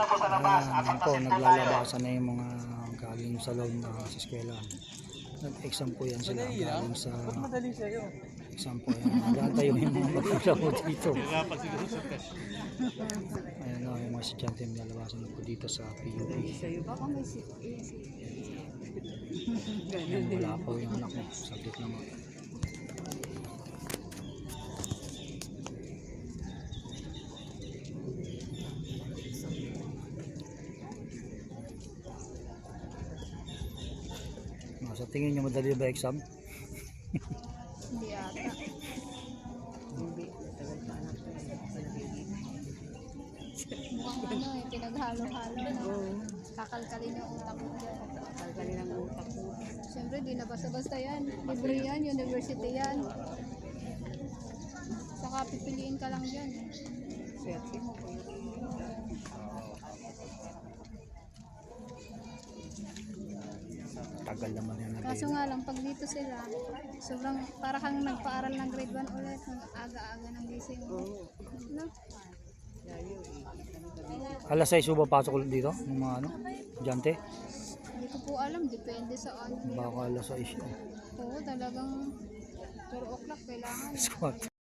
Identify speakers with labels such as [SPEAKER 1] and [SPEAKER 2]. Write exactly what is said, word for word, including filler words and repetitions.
[SPEAKER 1] Ayan po, naglalabasan na yung mga galing sa loob na sa eskwela. Nag-exam po yan sila galing sa exam po yan. Nagantay yung mga magulang po dito. Ayan o, yung mga estudyante nilalabasan po dito sa P U P. Ayan, wala po yung anak mo. Saglit naman. Sa tingin nyo madali ba exam?
[SPEAKER 2] Hindi ata. Mukhang ano eh, pinaghalo-halo na. Kakalkalin yung utak mo dyan.
[SPEAKER 3] Kakalkalin ang utak mo.
[SPEAKER 2] Siyempre, di na basta-basta yan. Libre yan, university yan. Saka pipiliin ka lang dyan.
[SPEAKER 3] Swerte mo.
[SPEAKER 1] Tagal naman yan.
[SPEAKER 2] Kaso nga lang, pag dito sila, sobrang para kang nagpaaral ng grade one ulit, ng aga-aga ng gising mo. No?
[SPEAKER 1] Alas sais ba pasok ulit dito? Yung mga ano? Estudyante?
[SPEAKER 2] Hindi ko po alam, depende sa ano.
[SPEAKER 1] Baka alas sais yun.
[SPEAKER 2] Oo, talagang four o'clock kailangan.
[SPEAKER 1] Squat.